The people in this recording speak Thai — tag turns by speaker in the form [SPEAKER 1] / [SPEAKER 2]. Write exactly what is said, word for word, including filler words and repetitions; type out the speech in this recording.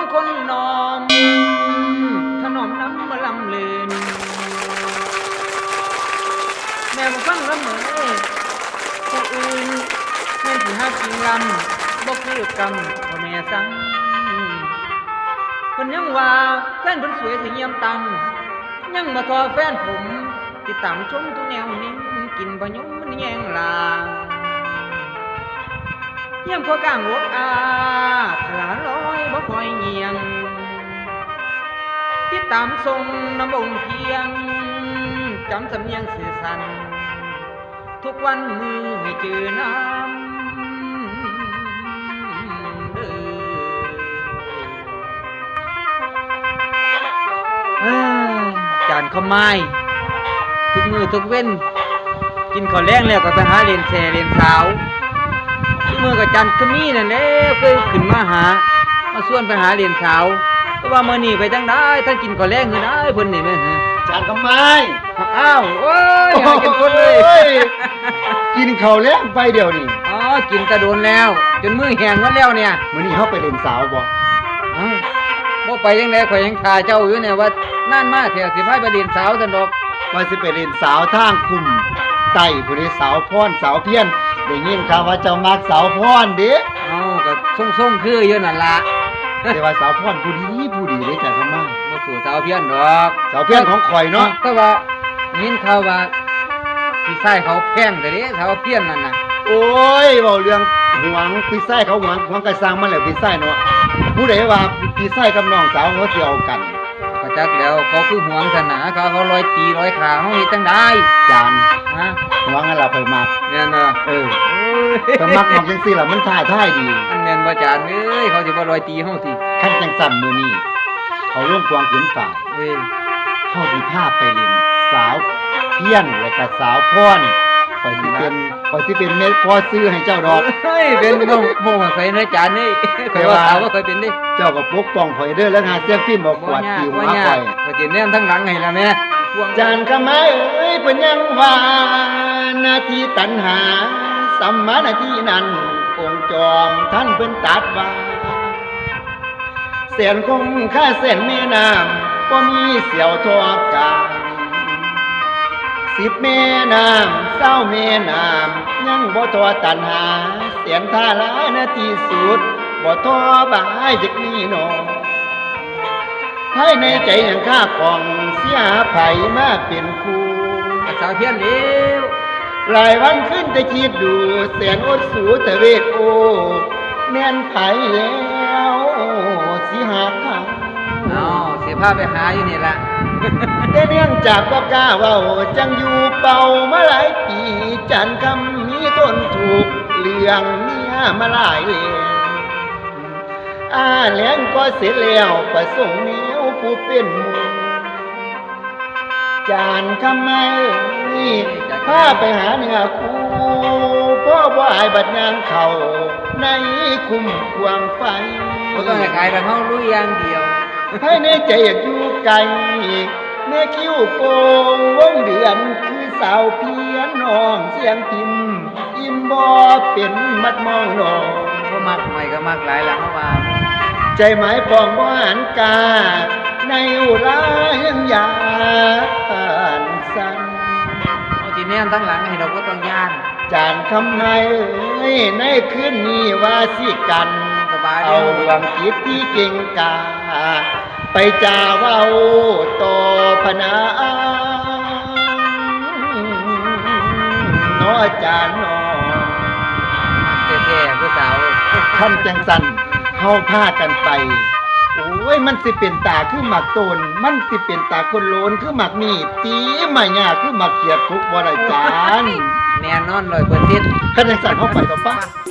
[SPEAKER 1] คนน้อมถนอมน้ำมาลำเลืนแม่มาฟังละเมอผู้อื่นแม่ที่หาจริงลำบ่คือกรรมพ่อแม่สั่งคนยังว่าแฟนคนสวยสิเยี่ยมตังยังมาทอแฟนผมติดตามชมทุกแนวนิ่งกินบะยมมันแยงลางเยี่ยมพอกลางวกอาถลาลอยบ่คอยเงียงติดตามทรงน้ำองค์เพียงจำสำเนียงสื่อสันทุกวันมือให้เจอน้ำเด้อจานข้าวไม้ทุกมือทุกเว้นกินข้าวแรงแล้วก็ไปหาเรียนแช่เรียนสาวทุกมือกับจันก็มีนั่นแหละเคยขึ้นมาหามาส่วนไปหาเรียนสาวแต่ว่ามื้อนี้ไปจังได้ท่านกินข้าวแรงคือได้เพิ่นนี่แม่นฮะ
[SPEAKER 2] จานทำไม
[SPEAKER 1] อ้าวโอ้ยหากินคนเลย
[SPEAKER 2] กินข้าวแล้วไปเดี๋ยวนี้
[SPEAKER 1] อ๋อกินกระโดนแล้วจนมือแห้งหมดแล้วเนี่ย
[SPEAKER 2] มื้อนี้เฮาไปเล่นสาวบ่
[SPEAKER 1] อ้าวบ่ไปจังได๋ข่อยยังท่าเจ้าอยู่เนี่ยว่านั่นมาเถอะสิพาไปเรียนสาวซั่นดอก
[SPEAKER 2] ว่าสิไปเล่นสาวทางคุมไต้ผู้ใดสาวพรสาวเพี้ยนได้ยินข่าวว่าเจ้ามักสาวพรเด้
[SPEAKER 1] เอ้าก็ส่งๆคืออยู่นั่นล่ะ
[SPEAKER 2] แต่ว่าสาวพรผู้ดีผู้ดีเด้จ้ะครับมา
[SPEAKER 1] บ่สู่สาวเพี้ยนดอก
[SPEAKER 2] สาวเพี้ยนของข่อยเนาะ
[SPEAKER 1] แต่ว่ายินข่าวว่าพี่ชายเขาแพงแต่เด้สาวเพี้ยนนั่นน่ะ
[SPEAKER 2] โอ้ยเว้าเรื่องหวงพี่ชายเขาหวงหวงก็สร้างมาแล้วพี่ชายเนาะผู้ใดว่าพี่ชายกับน้องสาวเขาสิเอากัน
[SPEAKER 1] ก็จักแล้วเขาคือหวงศาสนาเขาเขาลอยตีลอยขาเฮาเฮ็ดจังได๋
[SPEAKER 2] จาน
[SPEAKER 1] ฮะ
[SPEAKER 2] หวงให้เราไปมัก
[SPEAKER 1] แม่นบ่
[SPEAKER 2] เออก็มักมักจังซี่ล่ะมันท่าท่ายดี
[SPEAKER 1] อันแม่นบ่จานเอ้ยเขาสิบ่ลอยตีเฮาติ
[SPEAKER 2] คันจังซั่นมื้อนี้เขาลงกวางขืนฝ่าย
[SPEAKER 1] เอ้ย
[SPEAKER 2] เฮาสิพาไปเล่นสาวเพี้ยนแล้วก็สาวพรข่อยสิเป็นข่อยสิเป็นแม่พ่อซื้อให้เจ้าดอก
[SPEAKER 1] เฮ้ยเป็นบ่บ่ว่าใครนะจานนี่ข่อยว่าถามว่าข่อยเป็นดิ
[SPEAKER 2] เจ้าก็ปกป้องข่อยเด้อแล้วหาเสียงพิมพ์บ่กวาดติวมาข่อย
[SPEAKER 1] ข่อยสิแนมทั้งหลังให้ล่ะแม่
[SPEAKER 2] จานคำไม้เอ้ยเพิ่นยังว่าหน้าที่ตัณหาสัมมาหน้าที่นั้นองค์จอมท่านเพิ่นตรัสว่าเสียนคงค่าเส้นแม่น้ำบ่มีเสียวทอกันสิบแม่น้ำเศร้าแม่น้ำยังบ่ทอตัณหาเสียนท่าลานาที่สุดบ่ทอบายจักนี้หนอภายในใจยังข้าของเสียไผมาเป็นคู่
[SPEAKER 1] สาวเพี้ยนเร็ว
[SPEAKER 2] หลายวันขึ้นแต่คิดดูแสนอดสูตะเวทโอแม่นไผแล้วสิหาเขา
[SPEAKER 1] อ๋อสิพาไปหาอยู่นี่ล่ะ
[SPEAKER 2] แต่เนื่องจากบ่กล้าเว้าจังอยู่เป่ามาหลายปีจันคำมีต้นถูกเรื่องเมียมาหลายเล่มอาแหลงก็เสร็จแล้วประสงค์แนวผู้เป็นหมู่จานคำไม้พาไปหาเนื้อคู่พ่อบ่อายบัดยางเข่าในคุ้มควงไฟ
[SPEAKER 1] บ่ต้องให้กายแต่เฮารู้อย่างเดียว
[SPEAKER 2] ให้ในใจอยากอยู่ไกลแม่คิ้วโกงวงเดือนคือสาวเพียนน้องเสียงพิมพ์อิ่มบ่เป็นมัดมองน้อง
[SPEAKER 1] บ่มักใหม่ก็มักหลายล่ะเฮาว่า
[SPEAKER 2] ใจหมายปองบ่หันกาในอุรายังยานสั่น
[SPEAKER 1] เอาสิแนมทั้งหลังให้เราก็ต้องย่าน
[SPEAKER 2] จานคำไม้เอ้ยในคืนนี้ว่าสิกัน
[SPEAKER 1] สบาย
[SPEAKER 2] เอาดวงจิตที่เก่งกาไปจ่าเว้าต่อพนาน้อจานน้อ
[SPEAKER 1] แท้ๆผู้สาว
[SPEAKER 2] คำจังสันเฮาพากันไปโอ้ยมันสิเป็นตาคือหมักโตนมันสิเป็นตาคนโลนคือหมักมีดตีมาหยาคือหมักเกียดทุกบ่ได้จาน
[SPEAKER 1] แน่นอนร้อยเปอร์เซ็นต์
[SPEAKER 2] คันจังสันเฮาไปต่อป่ะ